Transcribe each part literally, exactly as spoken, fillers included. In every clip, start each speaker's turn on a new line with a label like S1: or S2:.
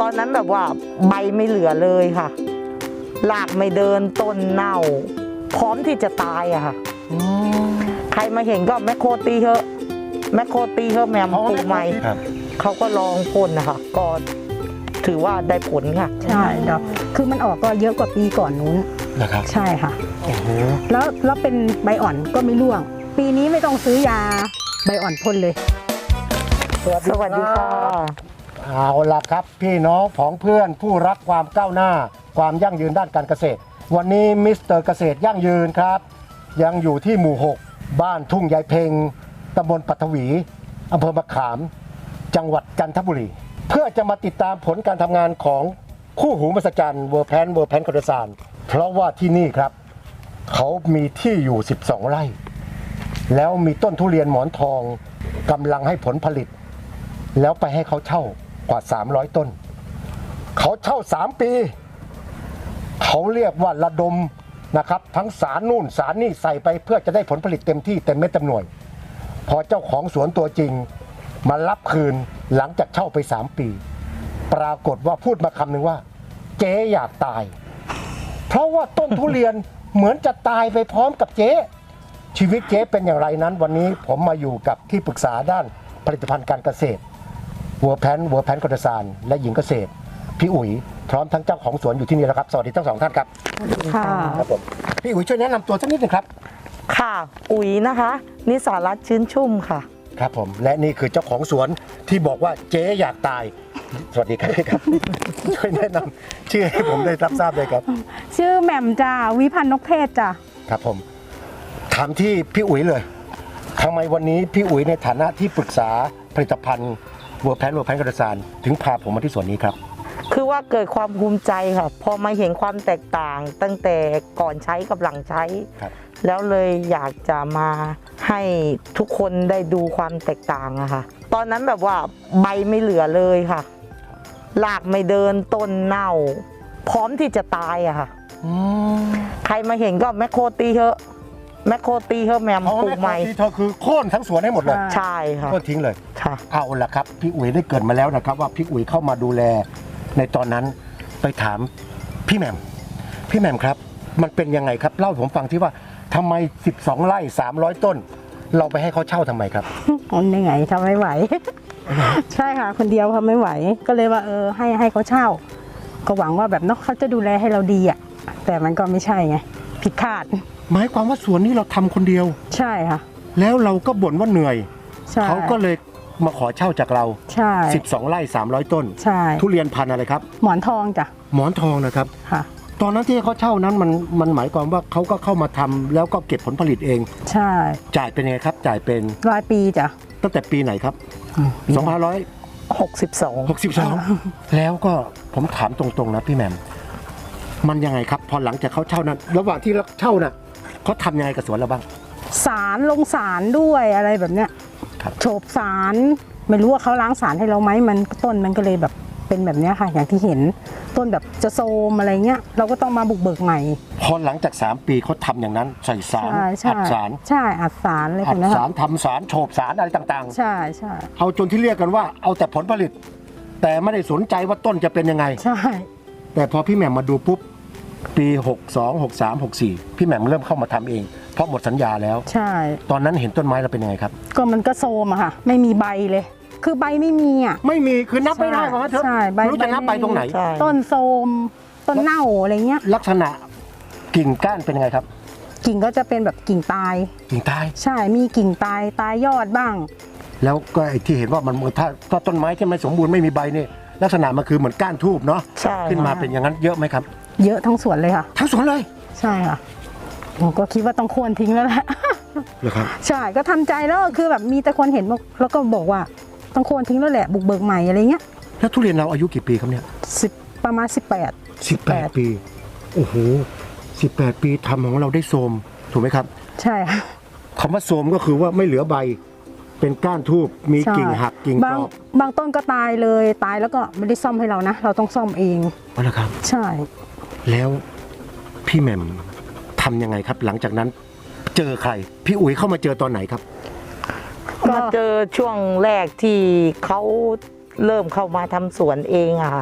S1: ตอนนั้นแบบว่าใบไม่เหลือเลยค่ะรากไม่เดินต้นเน่าพร้อมที่จะตายอะค่ะใครมาเห็นก็แมคโครตีเถอะแมคโครตีเถอะแมมปลูกใหม่เขาก็ลองพ่นนะคะก็ถือว่าได้ผลค่ะ
S2: ใช่ดอกคือมันออกก็เยอะกว่าปีก่อนนู้น
S3: นะครับ
S2: ใช่ค่ะ
S3: โอ้โห
S2: แล้วแล้วเป็นใบอ่อนก็ไม่ร่วงปีนี้ไม่ต้องซื้อยาใบอ่อนพ่นเลย
S1: สวัสดีค่ะ
S3: เอาล่ะครับพี่น้องผองเพื่อนผู้รักความก้าวหน้าความยั่งยืนด้านการเกษตรวันนี้มิสเตอร์เกษตรยั่งยืนครับยังอยู่ที่หมู่หกบ้านทุ่งยายเพ็งตำบลปัทวีอำเภอมะขามจังหวัดจันทบุรีเพื่อจะมาติดตามผลการทำงานของคู่หูมหัศจรรย์เวอร์แพนเวอร์แพนคอร์ดซานเพราะว่าที่นี่ครับเขามีที่อยู่สิบสองไร่แล้วมีต้นทุเรียนหมอนทองกำลังให้ผลผลิตแล้วไปให้เขาเช่ากว่าสามร้อยต้นเขาเช่าสามปีเขาเรียกว่าระดมนะครับทั้งสารนู่นสารนี่ใส่ไปเพื่อจะได้ผลผลิตเต็มที่เต็มเม็ดเต็มหน่วยพอเจ้าของสวนตัวจริงมารับคืนหลังจากเช่าไปสามปีปรากฏว่าพูดมาคำหนึ่งว่าเจ๊อยากตายเพราะว่าต้นทุเรียนเหมือนจะตายไปพร้อมกับเจ๊ชีวิตเจ๊เป็นอย่างไรนั้นวันนี้ผมมาอยู่กับที่ปรึกษาด้านผลิตภัณฑ์การเกษตรเวอร์แพนเวอร์แพนคอร์ดซานและหญิงเกษตรพี่อุ๋ยพร้อมทั้งเจ้าของสวนอยู่ที่นี่แล้วครับสวัสดีทั้งสองท่านครับ
S2: ค่ะ
S3: ครับผมพี่อุ๋ยช่วยแนะนำตัวสักนิดนึงครับ
S1: ค่ะอุ๋ยนะคะนิสารัตน์ชื้นชุ่มค่ะ
S3: ครับผมและนี่คือเจ้าของสวนที่บอกว่าเจ๊อยากตายสวัสดีครับช่วยแนะนำชื่อให้ผมได้รับทราบเลยครับ
S2: ชื่อแหม่มจ้าวิพันธ์นกเพชรจ้า
S3: ครับผมถามที่พี่อุ๋ยเลยทำไมวันนี้พี่อุ๋ยในฐานะที่ปรึกษาผลิตภัณฑ์เวอร์แพนเวอร์แพนคอร์ดซานถึงพาผมมาที่สวนนี้ครับ
S1: คือว่าเกิดความภูมิใจค่ะพอมาเห็นความแตกต่างตั้งแต่ก่อนใช้กับหลังใช้แล้วเลยอยากจะมาให้ทุกคนได้ดูความแตกต่างอะค่ะตอนนั้นแบบว่าใบไม่เหลือเลยค่ะรากไม่เดินต้นเน่าพร้อมที่จะตายอะค่ะใครมาเห็นก็แมคโครตีเถอะแมคโครตีเถอะแมมปลูกใหม่
S3: เธอคือโค่นทั้งสวนให้หมดเลย
S1: ใช่ค่ะ
S3: โค่นทิ้งเลย
S1: ค่ะ
S3: เอาละครับพี่อุ๋ยได้เกิดมาแล้วนะครับว่าพี่อุ๋ยเข้ามาดูแลในตอนนั้นไปถามพี่แหม่มพี่แหม่มครับมันเป็นยังไงครับเล่าให้ผมฟังที่ว่าทำไมสิบสองไร่สามร้อยต้นเราไปให้เขาเช่าทำไมครับ
S2: มันยังไงทำไม่ไหว ใช่ค่ะคนเดียวทำไม่ไหวก็เลยว่าเออให้ให้เขาเช่าก็หวังว่าแบบเนาะเขาจะดูแลให้เราดีอ่ะแต่มันก็ไม่ใช่ไงผิดคาด
S3: หมายความว่าสวนนี้เราทำคนเดียว
S2: ใช่ค่ะ
S3: แล้วเราก็บ่นว่าเหนื่อยเขาก็เลยมาขอเช่าจากเรา
S2: ใช่
S3: สิบสองไร่สามร้อยต้น
S2: ใช่
S3: ทุเรียนพันธุ์อะไรครับ
S2: หมอนทองจ้ะ
S3: หมอนทองนะครับ
S2: ค่ะ
S3: ตอนนั้นที่เขาเช่านั้นมันมันหมายความว่าเขาก็เข้ามาทำแล้วก็เก็บผลผลิตเอง
S2: ใช่
S3: จ่ายเป็นไงครับจ่ายเป็น
S2: รายปีจ้ะ
S3: ตั้งแต่ปีไหนครับสองพันร้อย
S1: หกสิบสอง
S3: หกสิบสองแล้วก็ผมถามตรงๆนะพี่แหม่มมันยังไงครับพอหลังจากเขาเช่านั้นระหว่างที่เช่าน่ะเขาทำยังไงกับสวนเราบ้าง
S2: สารลงสารด้วยอะไรแบบเนี้ยโฉบสารไม่รู้ว่าเขาล้างสารให้เราไหมมันต้นมันก็เลยแบบเป็นแบบนี้ค่ะอย่างที่เห็นต้นแบบจะโซมอะไรเงี้ยเราก็ต้องมาบุกเบิกใหม่
S3: พอหลังจากสามปีเขาทำอย่างนั้นใส่สารอัดสาร
S2: ใช่อัดสารเลย
S3: อัดสารทำสารโฉบสารอะไรต่าง
S2: ๆใช่ใช่
S3: เอาจนที่เรียกกันว่าเอาแต่ผลผลิตแต่ไม่ได้สนใจว่าต้นจะเป็นยังไง
S2: ใช่
S3: แต่พอพี่แหม่มมาดูปุ๊บปีหกสอง หกสาม หกสี่พี่แหม่มเริ่มเข้ามาทำเองเพราะหมดสัญญาแล้ว
S2: ใช่
S3: ตอนนั้นเห็นต้นไม้เราเป็นยังไงครับ
S2: ก็มันก็โซมอะค่ะไม่มีใบเลยคือใบไม่มีอ่ะ
S3: ไม่มีคือนับไม่ได้เพราะว่าเธอไม่รู้จะนับไปตรงไหน
S2: ต้นโซมต้นเน่าอะไรเงี้ย
S3: ลักษณะกิ่งก้านเป็นยังไงครับ
S2: กิ่งก็จะเป็นแบบกิ่งตาย
S3: กิ่งตาย
S2: ใช่มีกิ่งตายตายยอดบ้าง
S3: แล้วก็ไอ้ที่เห็นว่ามันถ้าถ้าต้นไม้ที่ไม่สมบูรณ์ไม่มีใบนี่ลักษณะมันคือเหมือนก้านทูบเนาะขึ้นมาเป็นอย่างนั้นเยอะไหมครับ
S2: เยอะทั้งสวนเลยค่ะ
S3: ทั้งสวนเลย
S2: ใช่ค่ะผมก็คิดว่าต้องควรทิ้งแล้วแหละ
S3: เหรอครับ
S2: ใช่ก็ทำใจแล้วคือแบบมีแต่คนเห็นแล้วก็บอกว่าต้องควรทิ้งแล้วแหละบุกเบิกใหม่อะไรเงี้ย
S3: แล้วทุเรียนเราอายุกี่ปีครับเนี่ย
S2: สิบประมาณสิบแปด
S3: สิบแปดปีโอ้โหสิบแปดปีทำของเราได้โทรมถูกไหมครับ
S2: ใช่ค่ะ
S3: คำว่าโทรมก็คือว่าไม่เหลือใบเป็นก้านทูบมีกิ่งหักกิ่งกรอ
S2: บบางต้นก็ตายเลยตายแล้วก็ไม่ได้ซ่อมให้เรานะเราต้องซ่อมเอง
S3: อ๋อเหรอครับ
S2: ใช่
S3: แล้วพี่แหม่มทำยังไงครับหลังจากนั้นเจอใครพี่อุ๋ยเข้ามาเจอตอนไหนครับ
S1: มาเจอช่วงแรกที่เขาเริ่มเข้ามาทำสวนเองอะค่ะ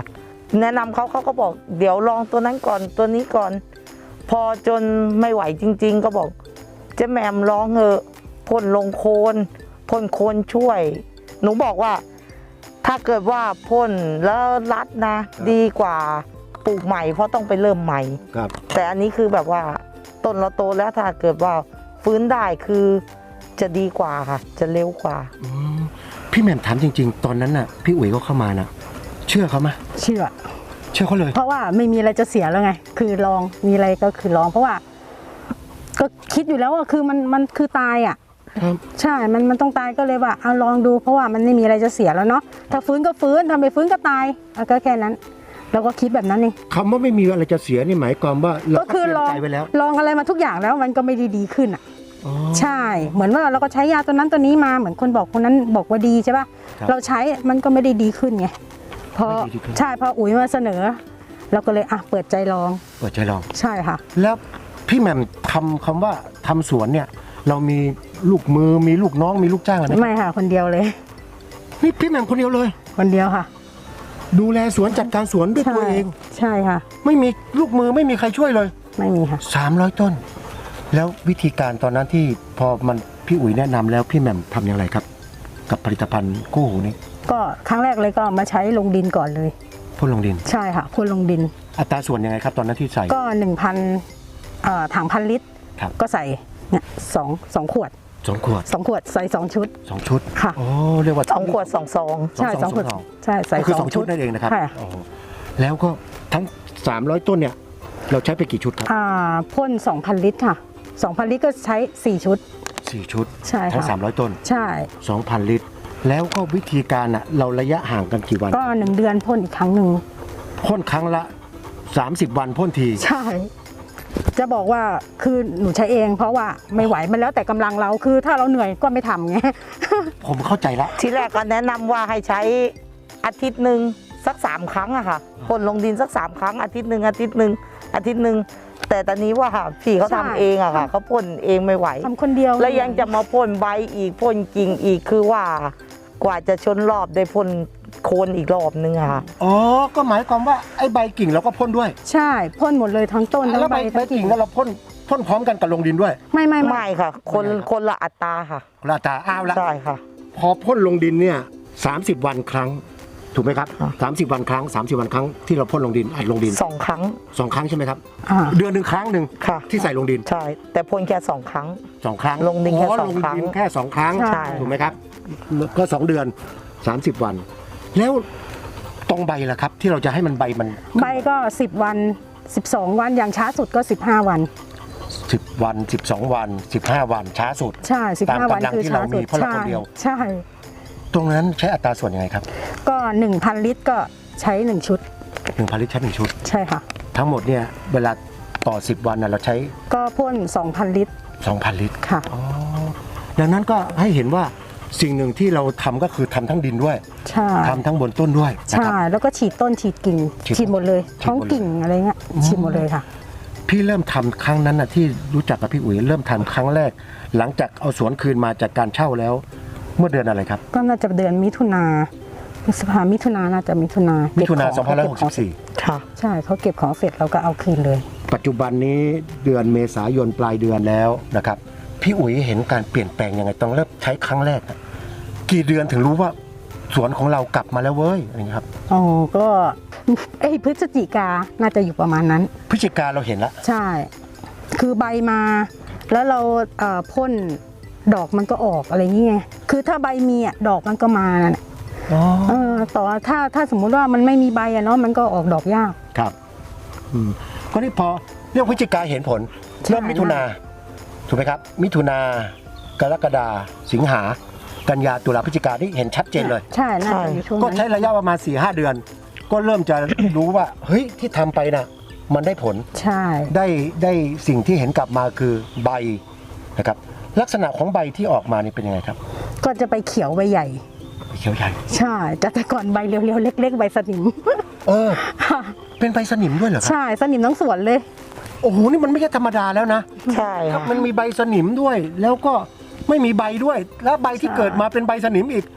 S1: แนะนำเขาเขาก็บอกเดี๋ยวลองตัวนั้นก่อนตัวนี้ก่อน พอจนไม่ไหวจริง ๆ ก็บอกเจ๊แหม่มลองเถอะพ่นลงโคนพ่นโคนช่วย หนูบอกว่าถ้าเกิดว่าพ่นแล้วรัดนะดีกว่าปลูกใหม่เพราะต้องไปเริ่มใหม่
S3: ครับ
S1: แต่อันนี้คือแบบว่าต้นเราโตแล้วถ้าเกิดว่าฟื้นได้คือจะดีกว่าค่ะ จะเร็วกว่า
S3: อืมพี่แหม่มถามจริง ๆ ตอนนั้นน่ะพี่อุ๋ยก็เข้ามานะเชื่อเขาไหม
S2: เชื่อ
S3: เชื่อเขาเลย
S2: เพราะว่าไม่มีอะไรจะเสียแล้วไง คือลองมีอะไรก็คือลอง เพราะว่า ก็คิดอยู่แล้วว่าคือมันมันคือตายอ่ะ
S3: ครับ
S2: ใช่ มันมันต้องตายก็เลยว่าเอาลองดูเพราะว่ามันไม่มีอะไรจะเสียแล้วเนาะถ้าฟื้นก็ฟื้นทำไม่ฟื้นก็ตายเอาก็แค่นั้นเราก็คิดแบบนั้นเอง
S3: คำว่าไม่มีอะไรจะเสียนี่หมายความว่าเรา
S2: ก็
S3: ก็
S2: คือ
S3: เตรีย
S2: ล
S3: ม
S2: อง
S3: ใจไว้แล้ว
S2: ลองอะไรมาทุกอย่างแล้วมันก็ไม่ได้ดีขึ้นอ่ะ
S3: อ๋อ
S2: ใช่ เหมือนว่าเราก็ใช้ยาตัวนั้นตัวนี้มาเหมือนคนบอกคนนั้นบอกว่าดีใช่ป่ะ
S3: ครับ
S2: เราใช้มันก็ไม่ได้ดีขึ้นไงพอ
S3: ไม่ได้ดีขึ้น
S2: ใช่พออุ๋ยมาเสนอเราก็เลยอ่ะเปิดใจลอง
S3: เปิดใจลอง
S2: ใช่ค่ะ
S3: แล้วพี่แหม่มทำคำว่าทำสวนเนี่ย เรามีลูกมือมีลูกน้องมีลูกจ้างอะไรไหม
S2: ไม่ค่ะ คนเดียวเลย
S3: นี่พี่แหม่มคนเดียวเลย
S2: คนเดียวค่ะ
S3: ดูแลสวนจัดการสวนด้วย
S2: ใช่
S3: ตัวเอง
S2: ใช่ค่ะ
S3: ไม่มีลูกมือไม่มีใครช่วยเลย
S2: ไม่มีค่ะ
S3: สามร้อยต้น แล้ววิธีการตอนนั้นที่พอมันพี่อุ๋ยแนะนำแล้วพี่แหม่มทำอย่างไรครับ กับผลิตภัณฑ์คู่หูนี้
S2: ก็ครั้งแรกเลยก็มาใช้ลงดินก่อนเลย
S3: พ่นลงดิน
S2: ใช่ค่ะพ่นลงดิน
S3: อัตราส่วนยังไงครับตอนนั้นที่ใส่
S2: ก็หนึ่งพันถังพันลิตร
S3: ครับ
S2: ก็ใส่เนี่ยสองสองขวด
S3: สองขวด
S2: สองขวดใส่สองชุด
S3: สองชุด
S2: ค่ะ
S3: โอ้เรียกว่า
S1: สองขวดสองซอง
S2: ใช่สองขวด
S3: สอง
S2: ใช่ใส่
S3: ก็คือสองชุดนั่นเองนะครับ
S2: ค่ะ
S3: โอ้แล้วก็ทั้งสามร้อยต้นเนี่ยเราใช้ไปกี่ชุดครับ
S2: อ่าพ่นสองพันลิตรค่ะสองพันลิตรก็ใช้สี่ชุด
S3: สี่ชุด
S2: ใช่ค่ะ
S3: ทั้งสามร้อยต้น
S2: ใช่
S3: สองพันลิตร แล้วก็วิธีการอ่ะเราระยะห่างกันกี่วัน
S2: ก็หนึ่งเดือนพ่นอีกครั้งหนึ่ง
S3: พ่นครั้งละสามสิบวันพ่นที
S2: ใช่ จะบอกว่าคือหนูใช้เอง เพราะว่าไม่ไหวมันแล้วแต่กำลังเราคือถ้าเราเหนื่อยก็ไม่ทำไง
S3: ผมเข้าใจละ
S1: ทีแรกก็แนะนำว่าให้ใช้อาทิตย์หนึ่งสักสามครั้งอะค่ะพ่นลงดินสักสามครั้งอาทิตย์หนึ่งอาทิตย์หนึ่งอาทิตย์หนึ่งแต่ตอนนี้ว่าพี่เขา
S2: ใช่
S1: ทำเองอะค่ะเขาพ่นเองไม่ไหว
S2: ทำคนเดียว
S1: แล้วยังจะมาพ่นใบอีกพ่นกิ่งอีกคือว่ากว่าจะชนรอบได้พ่นโคนอีกรอบนึงอะค่ะ
S3: อ๋อ ก็หมายความว่าไอ้ใบกิ่งเราก็พ่นด้วย
S2: ใช่พ่นหมดเลยทั้งต้นทั้
S3: แล้ว
S2: ง
S3: ใบ
S2: ใบ
S3: ใบ
S2: ทั้ง
S3: กิ่
S2: กิ่
S3: ง
S2: ง
S3: แล้วเราพ่นพ่นพร้อมกันกับลงดินด้วย
S2: ไม่ไม่ไม่
S1: ไม่ค่ะ คนคนละอัตราค่ะ
S3: ลาตาอ้าวละ
S1: ใช่ค่ะ
S3: พอพ่นลงดินเนี่ยสามสิบวันครั้ง ถูกไหมครับ
S1: ค่ะ
S3: สามสิบวันครั้งสามสิบวันครั้งที่เราพ่นลงดินอัดลงดิน
S1: สองครั้ง
S3: สองครั้งใช่ไหมครับ
S2: อ่า
S3: เดือนหนึ่งครั้งหนึ่ง
S1: ค่ะ
S3: ที่ใส่ลงดิน
S1: ใช่ แต่พ่นแค่สองครั้ง
S3: สองครั้ง
S1: ลงดินแค่
S3: อ๋อ
S1: สองครั้ง
S3: ลงดินแค่สองครั้ง
S2: ใช่
S3: ถูกไหมครับ ก็สองเดือนสามสิบวัน แล้วตรงใบล่ะครับ ที่เราจะให้มันใบมัน
S2: ใบก็สิบวันสิบสองวันอย่างช้าสุดก็สิบห้าวัน
S3: สิบวันสิบสองวันสิบห้าวันช้าสุด
S2: ใช่สิบ
S3: ตาม
S2: ห้าวัน
S3: กำลัง
S2: คือ
S3: ที่
S2: ช้า
S3: เรา
S2: สุ
S3: มี
S2: ด
S3: เพราะเรา
S2: ใช่
S3: คนเดียว
S2: ใช่
S3: ตรงนั้นใช้อัตราส่วนยังไงครับ
S2: ก็หนึ่งพันลิตรก็ใช้หนึ่งชุด
S3: หนึ่งพันลิตรใช้หนึ่งชุด
S2: ใช่ค่ะ
S3: ทั้งหมดเนี่ยเวลาต่อสิบวันน่ะเราใช้
S2: ก็พ่นสองพันลิตร
S3: สองพันลิตร
S2: ค่ะ
S3: อ๋อดังนั้นก็ให้เห็นว่าสิ่งหนึ่งที่เราทำก็คือทำทั้งดินด้วย
S2: ใช่
S3: ทำทั้งบนต้นด้วยนะ
S2: ใช่
S3: ครับ
S2: แล้วก็ฉีดต้นฉีดกิ่ง
S3: ฉีด
S2: ฉีดหมดเลย
S3: ฉีดหมดเลย
S2: ท้องกิ่งอะไรเงี้ยฉีดหมดเลยค่ะ
S3: พี่เริ่มทำครั้งนั้นน่ะที่รู้จักกับพี่อุ๋ยเริ่มทำครั้งแรก หลังจากเอาสวนคืนมาจากการเช่าแล้ว เมื่อเดือนอะไรครับ
S2: ก็น่าจะเดือนมิถุนาพฤษภามิถุนาน่าจะมิถุนา
S3: มิ
S2: มิ
S3: ถุนาสองพันห้าร้อยหกสิบสี่
S1: ค่ะ
S2: ใช่เขาเก็บของเสร็จเราก็เอาคืนเลย
S3: ปัจจุบันนี้เดือนเมษายนปลายเดือนแล้วนะครับพี่อุ๋ยเห็นการเปลี่ยนแปลงยังไงต้องเริ่มใช้ครั้งแรกอะกี่เดือนถึงรู้ว่าสวนของเรากลับมาแล้วเว้ยอะไรอย่างเงี้ยครับ
S2: อ๋อ ก็เอ้ยพฤศจิกาน่าจะอยู่ประมาณนั้น
S3: พฤศจิกาเราเห็นแล้ว
S2: ใช่ คือใบมา แล้วเราเอ่อพ่นดอกมันก็ออกอะไรอย่างเงี้ยคือถ้าใบมีอ่ะดอกมันก็มาน่ะ
S3: อ๋อ
S2: เออต่อถ้าถ้าสมมุติว่ามันไม่มีใบอะเนาะมันก็ออกดอกยาก
S3: ครับอืมก็นี่พอเรื่องพฤศจิกาเห็นผล
S2: ใช่
S3: เริ่มมิถุนาถูกไหมครับ มิถุนากรกฎาสิงหากันยาตุลาพฤศจิกานี่เห็นชัดเจนเลย
S2: ใช่น่าจะอยู่ช่วง
S3: ก็
S2: นั้น
S3: ใช้ระยะประมาณ สี่ห้า เดือน ก็เริ่มจะ รู้ว่าเฮ้ยที่ทำไปน่ะมันได้ผล
S2: ใช่
S3: ได้ได้สิ่งที่เห็นกลับมาคือใบนะครับลักษณะของใบที่ออกมานี่เป็นยังไงครับ
S2: ก็จะไปเขียวใบใหญ่
S3: เขียวใหญ่
S2: ใช่แต่แต่ก่อนใบเรียวๆเล็ก ๆ ใบสนิม
S3: เออ เป็นใบสนิมด้วยเหรอครับ
S2: ใช่สนิมทั้งสวนเลย
S3: โอ้โหนี่มันไม่ใช่ธรรมดาแล้วนะ
S1: ใช่
S3: ครั
S1: ค่ะ
S3: บมันมีใบสนิมด้วย แล้วก็ไม่มีใบด้วย แล้วใบที่
S2: ใช่
S3: เกิดมาเป็นใบสนิมอีก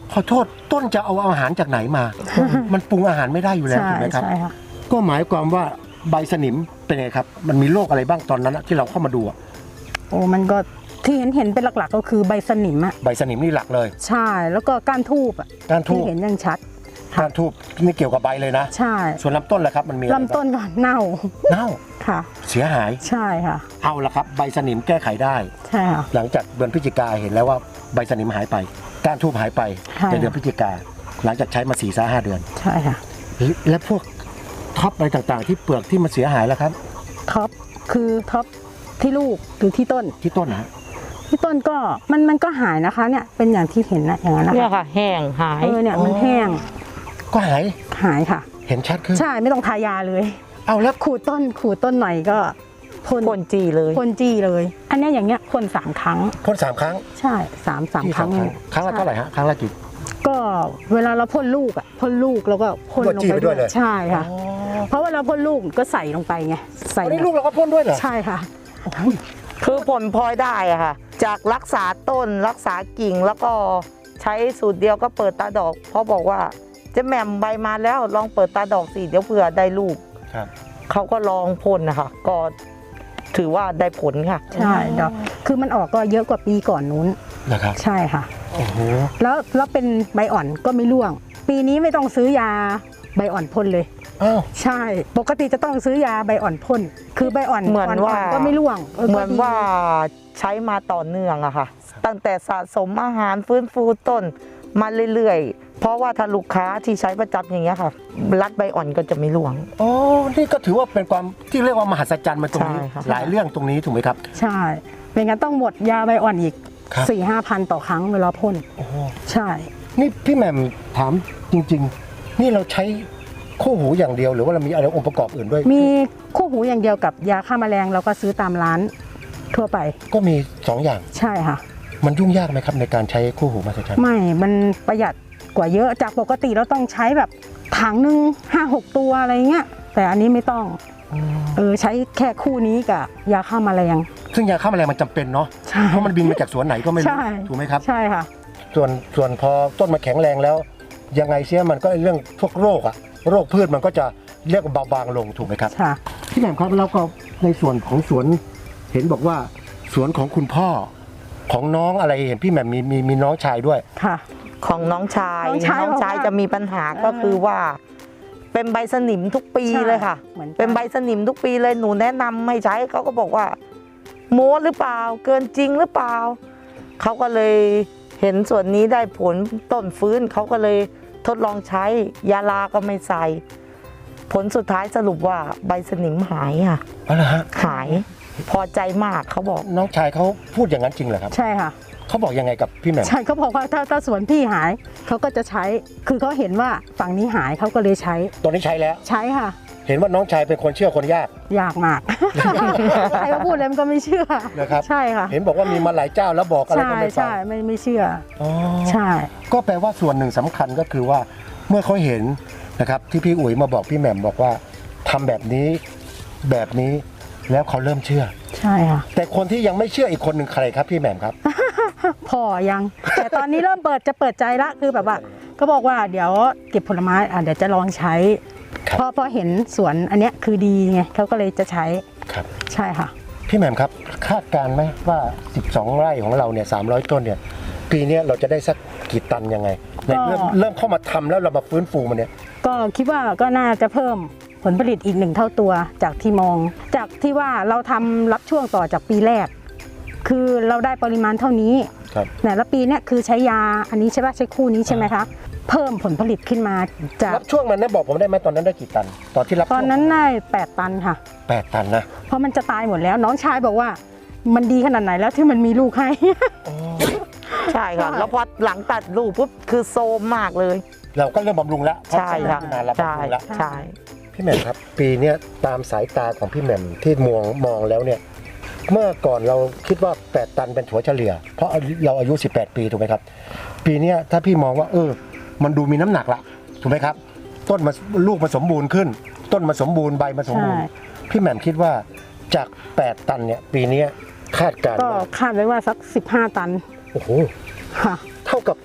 S3: ขอโทษต้นจะเอาอาหารจากไหนมา มันปรุงอาหารไม่ได้อยู่แล้ว
S2: ใช่
S3: ถูกไหมครับ
S2: ใช่ค่ะ
S3: ก็หมายความว่าใบสนิมเป็นไงครับมันมีโรคอะไรบ้างตอนนั้นอะที่เราเข้ามาดูอะ
S2: โอ้มันก็ที่เห็นเห็นเป็นหลักๆ ก็คือใบสนิมอะ
S3: ใบสนิมนี่หลักเลย
S2: ใช่แล้วก็ก้านทูบอะ
S3: ก้านทู
S2: ที่
S3: บ
S2: เห็นยังชัด
S3: ก้านทูบนี่เกี่ยวกับใบเลยนะ
S2: ใช่
S3: ส่วนลำต้นล่ะครับมันมีอะไรบ้าง
S2: ลำต้นก็เน่า
S3: เน่า
S2: ค่ะ
S3: เสียหาย
S2: ใช่ค่ะ
S3: เอาละครับใบสนิมแก้ไขได้
S2: ใช่ค่ะ
S3: หลังจากเดือนพฤศจิกาเห็นแล้วว่าใบสนิมหายไปก้านทูบหายไป
S2: ใช่
S3: ในเดือนพฤศจิกาหลังจากใช้มาสี่สาห้าเดือน
S2: ใช่ค่ะ
S3: และพวกท็อปอะไรต่างๆ ที่เปลือกที่มันเสียหายแล้วครับ
S2: ท็อปคือท็อปที่ลูกหรือที่ต้น
S3: ที่ต้นนะ
S2: ที่ต้นก็มันมันก็หายนะคะเนี่ยเป็นอย่างที่เห็นนะอย่างนั้นนะ
S1: เนี่ย
S2: คะ
S1: ค่ะ แห้งหาย
S2: เออเนี่ยมันแห้ง
S3: ก็หาย
S2: หายค่ะ
S3: เห็นชัดขึ้น
S2: ใช่ไม่ต้องทายาเลย
S3: เอาแล้ว
S2: ขูดต้นขูดต้นหน่อยก็พ่น
S1: พ่นจีเลย
S2: พ่นจี้เลย อันเนี้ยอย่างเงี้ยพ่นสามครั้ง
S3: พ่นสามครั้ง
S2: ใช่สามสาม
S3: ที่
S2: ครั้ง
S3: ครั้งละเท่าไหร่ฮะครั้งละกี่
S2: ก็เวลาเราพ่นลูกอ่ะพ่นลูกแล้วก็พ่น
S3: ก็
S2: ลง
S3: จี้
S2: ไป
S3: ไปด้วยเลย
S2: ใช่ค่ะ เพราะเวลาพ่นลูกก็ใส่ลงไปไงใส่
S3: อันนี้ลูกเราก็พ่นด้วยเหรอ
S2: ใช่ค่ะ
S1: คือผลพลอยได้อะค่ะ จากรักษาต้นรักษากิ่งแล้วก็ใช้สูตรเดียวก็เปิดตาดอก เพราะบอกว่าเจะแหม่มใบมาแล้วลองเปิดตาดอกสิเดี๋ยวเผื่อได้ลูก
S3: ครับ
S1: เขาก็ลองพ่นนะคะก็ถือว่าได้ผลค่ะ
S2: ใช่ดอกคือมันออกก็เยอะกว่าปีก่อนนู้น
S3: นะครับ
S2: ใช่ค่ะ
S3: โอ้โห
S2: แล้วแล้วเป็นใบอ่อนก็ไม่ร่วง ปีนี้ไม่ต้องซื้อยาใบอ่อนพ่นเลย
S3: อ้าว
S2: ใช่ ปกติจะต้องซื้อยาใบอ่อนพ่นคือใบอ่อน
S1: เหมือนว่า
S2: ๆก็ไม่ร่วง
S1: เหมือน
S2: ก็ดี
S1: ว่าใช้มาต่อเนื่องอะค่ะ ตั้งแต่สะสมอาหารฟื้นฟูต้นมาเรื่อยๆ เพราะว่าถ้าลูกค้าที่ใช้ประจำอย่างเงี้ยค่ะ รัดใบอ่อนก็จะไม่ร่วง
S3: โอ้นี่ก็ถือว่าเป็นความที่เรียกว่ามหัศจรรย์มาตรงนี้
S1: ใช่ครับ
S3: หลายเรื่องตรงนี้ถูกไหมครับ
S2: ใช่เป็นงั้นต้องหมดยาใบอ่อนอีก
S3: ครับ
S2: สี่ห้าพันต่อครั้งเวลาพ่น
S3: โอ้โห
S2: ใช่
S3: นี่พี่แหม่มถามจริง ๆ นี่เราใช้คู่หูอย่างเดียวหรือว่าเรามีอะไรองค์ประกอบอื่นด้วย
S2: มีคู่หูอย่างเดียวกับยาฆ่าแมลงเราก็ซื้อตามร้านทั่วไป
S3: ก็มีสองอย่าง
S2: ใช่ค่ะ
S3: มันยุ่งยากไหมครับในการใช้คู่หูมหัศจรรย์
S2: ไม่ มันประหยัดกว่าเยอะจากปกติเราต้องใช้แบบถังหนึ่งห้าหกตัวอะไรเงี้ยแต่อันนี้ไม่ต้องเออใช้แค่คู่นี้กับยาฆ่าแมลง
S3: ซึ่งยาฆ่าแมลงมันจำเป็นเนาะ
S2: ใช่
S3: เพราะมันบินมาจากสวนไหนก็ไม่รู้
S2: ใช่
S3: ถูกไหมครับ
S2: ใช่ค่ะ
S3: ส่วนส่วนพอต้นมาแข็งแรงแล้ว ยังไงเสียมันก็เรื่องพวกโรคอะโรคพืชมันก็จะเรียกว่าเบาบางลงถูกไหมครับ
S2: ค่ะ
S3: พี่แหม่มครับแล้วก็ในส่วนของสวนเห็นบอกว่าสวนของคุณพ่อของน้องอะไรเห็นพี่แหม่มมีมีมีน้องชายด้วย
S2: ค่ะ
S1: ของน้องชาย
S2: น้องชาย
S1: น้องชาย
S2: บอกว่า
S1: จะมีปัญหาก็คือว่า เป็นใบสนิมทุกปี
S2: ใช่
S1: เลยค่ะ
S2: เหมือนกัน
S1: เป็นใบสนิมทุกปีเลยหนูแนะนำให้ใช้เขาก็บอกว่า โม้หรือเปล่า เกินจริงหรือเปล่าเขาก็เลยเห็นส่วนนี้ได้ผลต้นฟื้นเขาก็เลยทดลองใช้ยาลาก็ไม่ใส่ ผลสุดท้ายสรุปว่าใบสนิมหายค่ะ
S3: อะไรฮะ
S1: หายพอใจมากเขาบอก
S3: น้องชายเขาพูดอย่างนั้นจริงเหรอครับ
S2: ใช่ค่ะ
S3: เขาบอกยังไงกับพี่แหม่ม
S2: ใช่เขาบอกว่าถ้าถ้าสวนพี่หายเขาก็จะใช้ คือเขาเห็นว่าฝั่งนี้หายเขาก็เลยใช้
S3: ตอนนี้ใช้แล้ว
S2: ใช้ค่ะ
S3: เห็นว่าน้องชายเป็นคนเชื่อคนยาก
S2: ยากมาก ใครมาพูดเลยมันก็ไม่เชื่อ
S3: นะครับ
S2: ใช่ค่ะ
S3: เห็นบอกว่ามีมาหลายเจ้าแล้วบอกอะไร
S2: ใช่
S3: ก็ไม่ฟัง
S2: ใช่ไม่ไม่เชื่อ
S3: อ๋อ
S2: ใช่
S3: ก็แปลว่าส่วนหนึ่งสำคัญก็คือว่าเมื่อเขาเห็นนะครับที่พี่อุ๋ยมาบอกพี่แหม่มบอกว่าทำแบบนี้แบบนี้แล้วเขาเริ่มเชื่อ
S2: ใช่ค่ะ
S3: แต่คนที่ยังไม่เชื่ออีกคนหนึ่งใครครับพี่แหม่มครับ
S2: พอยัง แต่ตอนนี้เริ่มเปิดจะเปิดใจละคือแบบว่าก็บอกว่าเดี๋ยวเก็บผลไม้อ่ะเดี๋ยวจะลองใช้
S3: ครับ
S2: เพราะเพราะเห็นสวนอันเนี้ยคือดีไงเขาก็เลยจะใช้
S3: ครับ
S2: ใช่ค่ะ
S3: พี่แหม่มครับคาดการณ์ไหมว่าสิบสองไร่ของเราเนี่ยสามร้อยต้นเนี่ยปีเนี้ยเราจะได้สักกี่ตันยังไงเนี่ยเริ่มเริ่มเข้ามาทำแล้วเรามาฟื้นฟูมันเนี่ย
S2: ก็คิดว่าก็น่าจะเพิ่มผลผลิตอีกหนึ่งเท่าตัวจากที่มอง จากที่ว่าเราทำรับช่วงต่อจากปีแรก คือเราได้ปริมาณเท่านี้
S3: ครับ
S2: แต่ละปีเนี่ยคือใช้ยาอันนี้ใช่ป่ะใช้คู่นี้ใช่ไหมคะเพิ่มผลผลิตขึ้นมาจาก
S3: รับช่วงมันนะบอกผมได้ไหมตอนนั้นได้กี่ตัน ตอนที่รับ
S2: ตอนนั้นได้แปดตันค่ะ
S3: แปดตันนะ
S2: เพราะมันจะตายหมดแล้วน้องชายบอกว่า มันดีขนาดไหนแล้วที่มันมีลูกให้
S1: ใช่ค่ะ
S2: ใช่
S1: แล้วพอหลังตัดลูกปุ๊บคือโซมมากเลย
S3: เราก็เริ่มบำรุงแล้วเพราะ
S1: ใช่ค่ะ
S3: นานเรา
S1: ใช่
S3: บำรุงแล้ว
S1: ใช่
S3: พี่แหม่มครับ ปีเนี้ยตามสายตาของพี่แหม่มที่มองมองแล้วเนี่ยเมื่อก่อนเราคิดว่าแปดตันเป็นถัวเฉลี่ย เพราะเราอายุสิบแปดปีถูกไหมครับ ปีเนี้ยถ้าพี่มองว่าเออมันดูมีน้ำหนักละถูกไหมครับ ต้นมาลูกมาสมบูรณ์ขึ้น ต้นมาสมบูรณ์ใบมาสมบูรณ์
S2: ใช่
S3: พี่แหม่มคิดว่าจากแปดตันเนี่ยปีเนี้ยคาดการณ์
S2: ก็
S3: ว่า
S2: คาดไว้ว่าสักสิบห้าตัน
S3: โอ้โห
S2: ค่ะ
S3: เท่ากับ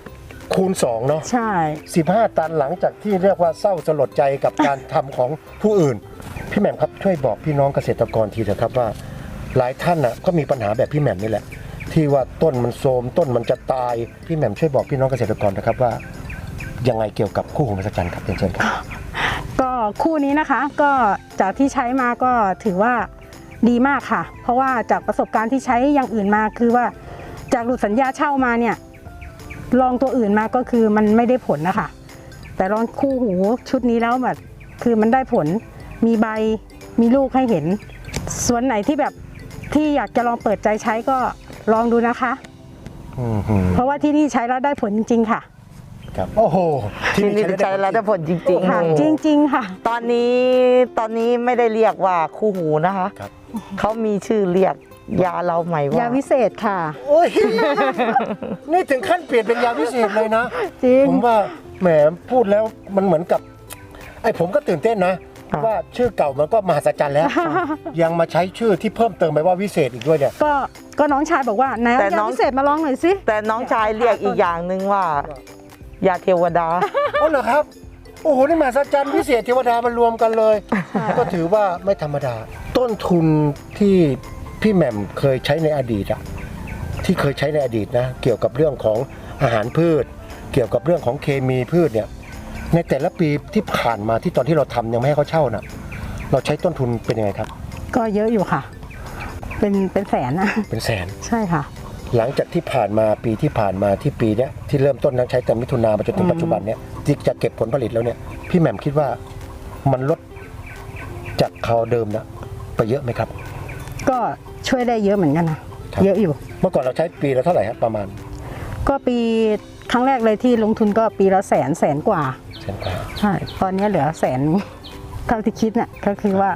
S3: คูณสองเนาะ
S2: ใช่
S3: สิบห้าตันหลังจากที่เรียกว่าเศร้าสลดใจกับการทำของผู้อื่นพี่แหม่มครับช่วยบอกพี่น้องเกษตรกรทีเถอะครับว่าหลายท่านน่ะก็มีปัญหาแบบพี่แหม่มนี่แหละที่ว่าต้นมันโทรมต้นมันจะตายพี่แหม่มช่วยบอกพี่น้องเกษตรกรนะครับว่ายังไงเกี่ยวกับคู่หูมหัศจรรย์ครับเชิญครับ
S2: ก็คู่นี้นะคะก็จากที่ใช้มาก็ถือว่าดีมากค่ะ เพราะว่าจากประสบการณ์ที่ใช้อย่างอื่นมาคือว่าจากหลุดสัญญาเช่ามาเนี่ยลองตัวอื่นมาก็คือมันไม่ได้ผลนะคะแต่ลองคู่หูชุดนี้แล้วแบบคือมันได้ผลมีใบมีลูกให้เห็นส่วนไหนที่แบบที่อยากจะลองเปิดใจใช้ก็ลองดูนะคะ
S3: อือหือ
S2: เพราะว่าที่นี่ใช้แล้วได้ผลจริงๆค่ะ
S3: ครับโอ้โห
S1: ที่นี่ใช้แล้วได้ผลจริง
S2: ค่ะ
S1: ๆ
S2: จริงๆค่ะ
S1: ตอนนี้ตอนนี้ไม่ได้เรียกว่าคู่หูนะคะ
S3: ครับ
S1: เขามีชื่อเรียกยาเราใหม่ว่าย
S2: าวิเศษค่ะ
S3: โอ้ยนี่ถึงขั้นเปลี่ยนเป็นยาพิเศษเลยนะ
S2: จริง
S3: ผมว่าแหมพูดแล้วมันเหมือนกับไอ้ผมก็ตื่นเต้นนะว่าชื่อเก่ามันก็มหัศจรรย์แล้ว ยังมาใช้ชื่อที่เพิ่มเติมไปว่าวิเศษอีกด้วยเนี่ย
S2: ก็ก็น้องชายบอกว่าไหนเอายาวิเศษมาลองหน่อยสิ
S1: แต่น้องชายเรียกอีกอย่างหนึ่งว่ายาเทวดา
S3: อ๋อเหรอครับ โอ้โหนี่มหัศจรรย์วิเศษเทวดามารวมกันเลย ก็ถือว่าไม่ธรรมดา ต้นทุนที่พี่แหม่มเคยใช้ในอดีตอะที่เคยใช้ในอดีตนะเกี่ยวกับเรื่องของอาหารพืช เกี่ยวกับเรื่องของเคมีพืชเนี่ยในแต่ละปีที่ผ่านมาที่ตอนที่เราทำยังไม่ให้เขาเช่าน่ะเราใช้ต้นทุนเป็นยังไงครับ
S2: ก็เยอะอยู่ค่ะ เป็นเป็นแสนนะ
S3: เป็นแสน
S2: ใช่ค่ะ
S3: หลังจากที่ผ่านมาปีที่ผ่านมาที่ปีเนี้ยที่เริ่มต้นนั้นใช้แต่มิถุนามาจนถึงปัจจุบันเนี้ยที่จะเก็บผลผลิตแล้วเนี่ยพี่แหม่มคิดว่ามันลดจากคราวเดิมนะไปเยอะไหมครับ
S2: ก็ช่วยได้เยอะเหมือนกันนะครับ เยอะอยู่
S3: เมื่อก่อนเราใช้ปีละเท่าไหร่ครับประมาณ
S2: ก็ปีครั้งแรกเลยที่ลงทุนก็ปีละแสนแสนกว่า
S3: แสนกว่า
S2: ใช่ตอนนี้เหลือแสนเท่าที่คิดเนี่ยก็คือว่าร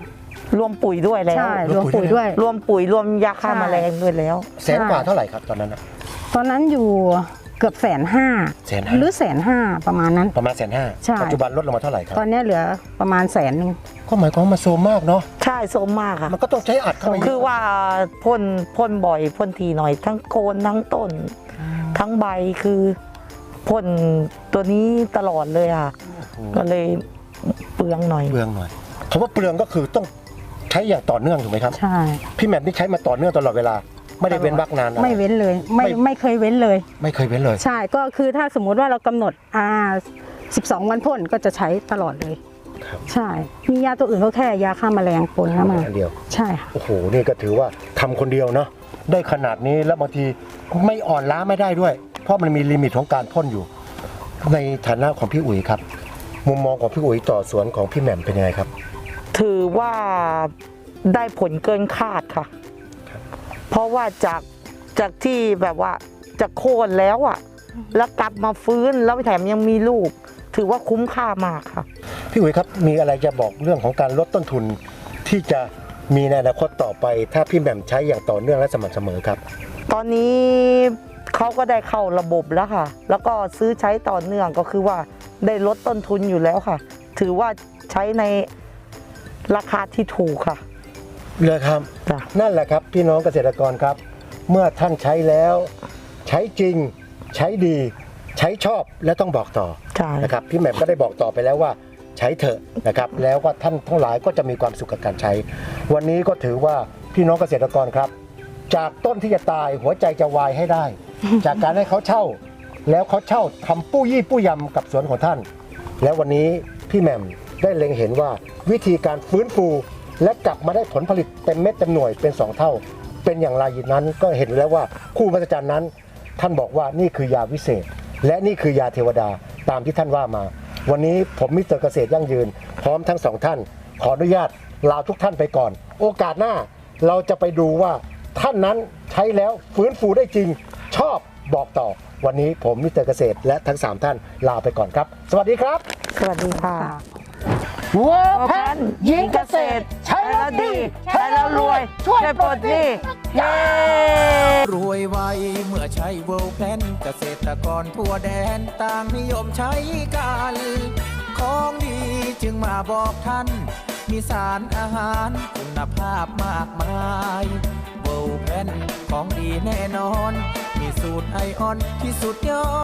S1: วมปุ๋ยด้วยแล้ว
S2: ใช่รวมปุ๋ยด้วย
S1: รวมปุ๋ยรวมยาฆ่า
S2: ใช่
S1: แมลงด้วยแล้ว
S3: แสนกว่าเท่าไหร่ครับตอนนั้นนะ
S2: ตอนนั้นอยู่เกือบแสนห้า
S3: แสนห้า
S2: หรือแสนห้าประมาณนั้น
S3: ประมาณแสนห้า
S2: ใช่
S3: ปัจจุบันลดลงมาเท่าไหร่ครับ
S2: ตอนนี้เหลือประมาณแสนหนึ่ง
S3: ก็หมายความว่ามันโซมมากเนาะ
S1: ใช่โซมมากค่ะ
S3: มันก็ต้องใช้อัดเข้าไป
S1: คือว่าพ่นพ่นบ่อยพ่นทีหน่อย ทั้งโคนทั้งต้น ทั้งใบคือพ่นตัวนี้ตลอดเลยค่ะ ก็เลยเปลืองหน่อย
S3: เปลืองหน่อยคำว่าเปลืองก็คือต้องใช้อย่างต่อเนื่องถูกไหมครับ
S2: ใช่
S3: พี่แหม่มนี่ใช้มาต่อเนื่องตลอดเวลา ไม่ได้เว้นวรรคนานอะไร
S2: ไม่เว้นเลยไม่
S3: ไม่
S2: ไม่เคยเว้นเลย
S3: ไม่เคยเว้นเลย
S2: ใช่ก็คือถ้าสมมุติว่าเรากำหนดอ่าสิบสองวันพ่นก็จะใช้ตลอดเลย
S3: ครับ
S2: ใช่ มียาตัวอื่นก็แค่ยาฆ่าแมลงปนเข้ามา
S3: อันเดียว
S2: ใช่ค่ะ
S3: โอ้โห นี่ก็ถือว่าทำคนเดียวเนาะ ได้ขนาดนี้แล้วบางทีไม่อ่อนล้าไม่ได้ด้วย เพราะมันมีลิมิตของการพ่นอยู่ ในฐานะของพี่อุ๋ยครับ มุมมองของพี่อุ๋ยต่อสวนของพี่แหม่มเป็นยังไงครับ
S1: ถือว่าได้ผลเกินคาดค่ะ เพราะว่าจากจากที่แบบว่าจะโค่นแล้วอะแล้วกลับมาฟื้นแล้วแถมยังมีลูก ถือว่าคุ้มค่ามากค่ะ
S3: พี่อุ๋ยครับ มีอะไรจะบอกเรื่องของการลดต้นทุนที่จะมีในอนาคตต่อไป ถ้าพี่แหม่มใช้อย่างต่อเนื่องและสม่ำเสมอครับ
S1: ตอนนี้เขาก็ได้เข้าระบบแล้วค่ะ แล้วก็ซื้อใช้ต่อเนื่องก็คือว่าได้ลดต้นทุนอยู่แล้วค่ะ ถือว่าใช้ในราคาที่ถูกค่ะ
S3: เลยครับ
S1: จ้ะ
S3: นั่นแหละครับพี่น้องเกษตรกรครับ เมื่อท่านใช้แล้ว ใช้จริง ใช้ดี ใช้ชอบและต้องบอกต่อ
S1: ใช่
S3: นะครับพี่แหม่มก็ได้บอกต่อไปแล้วว่าใช้เถอะนะครับ แล้วก็ท่านทั้งหลายก็จะมีความสุขกับการใช้ วันนี้ก็ถือว่าพี่น้องเกษตรกรครับ จากต้นที่จะตายหัวใจจะวายให้ได้ จากการให้เขาเช่า แล้วเขาเช่าทำปู้ยี่ปู้ยำกับสวนของท่าน แล้ววันนี้พี่แหม่มได้เล็งเห็นว่าวิธีการฟื้นฟูและกลับมาได้ผลผลิตเต็มเม็ดเต็มหน่วยเป็นสองเท่า เป็นอย่างไรนั้นก็เห็นแล้วว่าคู่มหัศจรรย์นั้น ท่านบอกว่านี่คือยาวิเศษ และนี่คือยาเทวดาตามที่ท่านว่ามา วันนี้ผมมิสเตอร์เกษตรยั่งยืน พร้อมทั้งสองท่าน ขออนุญาตลาทุกท่านไปก่อน โอกาสหน้าเราจะไปดูว่าท่านนั้นใช้แล้วฟื้นฟูได้จริง ชอบบอกต่อ วันนี้ผมมิสเตอร์เกษตรและทั้งสามท่านลาไปก่อนครับ สวัสดีครับ
S1: สวัสดีค่ะ
S3: วัว
S1: แพนยิงเกษตร ใช้แล้วดี ใช้แล้วรวย ช่วยปลดหนี้เย้
S4: รวยไวเมื่อใช้เวิลด์แพลนเกษตรกรทั่วแดนต่างนิยมใช้กัน ของดีจึงมาบอกท่าน มีสารอาหารคุณภาพมากมายเวิลด์แพลนของดีแน่นอน มีสูตรไอออนที่สุดยอด